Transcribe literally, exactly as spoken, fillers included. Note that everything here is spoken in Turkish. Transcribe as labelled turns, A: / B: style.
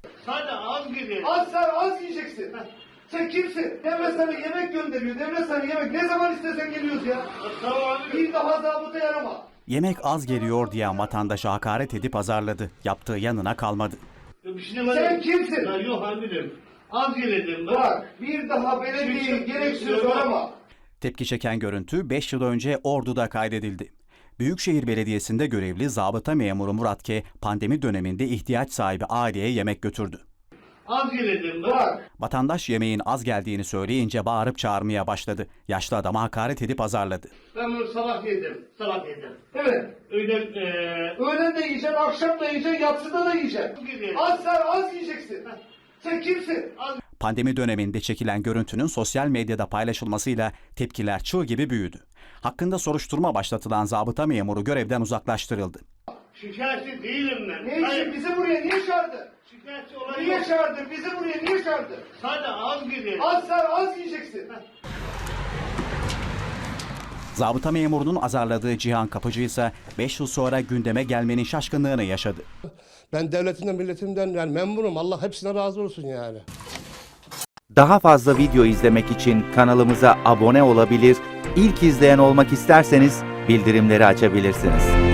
A: Sadece az gidiyor.
B: Az sen az yiyeceksin. Sen kimsin? Devlet sana yemek gönderiyor. Devlet sana yemek. Ne zaman istesen geliyoruz ya.
A: Tamam abi.
B: Bir daha zabıta yarama.
C: Yemek az geliyor diye vatandaşa hakaret edip azarladı. Yaptığı yanına kalmadı.
A: Bir şey var.
B: Sen kimsin?
A: Ya yok amirim. Az gelelim ben.
B: Bak bir daha belediyeyi gereksiz arama.
C: Tepki çeken görüntü beş yıl önce Ordu'da kaydedildi. Büyükşehir Belediyesi'nde görevli zabıta memuru Murat K. pandemi döneminde ihtiyaç sahibi aileye yemek götürdü.
A: Az gelelim ben.
B: Bak
C: Vatandaş yemeğin az geldiğini söyleyince bağırıp çağırmaya başladı. Yaşlı adama hakaret edip azarladı.
A: Ben bunu sabah yedim. Sabah yedim.
B: evet.
A: Öğlen eee
B: Öğlen de yiyeceksin, akşam da yiyeceksin, yatsıda da yiyeceksin.
A: gidiyor.
B: Az sen az yiyeceksin. Sen kimsin?
A: Az
C: Pandemi döneminde çekilen görüntünün sosyal medyada paylaşılmasıyla tepkiler çığ gibi büyüdü. Hakkında soruşturma başlatılan zabıta memuru görevden uzaklaştırıldı.
A: şikayetçi değilim ben.
B: Ne için? Bizi buraya niye çağırdın?
A: Şikayetçi olan
B: Niye
A: yok.
B: çağırdın? Bizi buraya niye çağırdın?
A: Sadece az gidiyor.
B: Az sen az yiyeceksin.
C: Zabıta memurunun azarladığı Cihan Kapıcı ise beş yıl sonra gündeme gelmenin şaşkınlığını yaşadı.
D: Ben devletimden, milletimden yani memnunum. Allah hepsine razı olsun yani.
E: Daha fazla video izlemek için kanalımıza abone olabilir, ilk izleyen olmak isterseniz bildirimleri açabilirsiniz.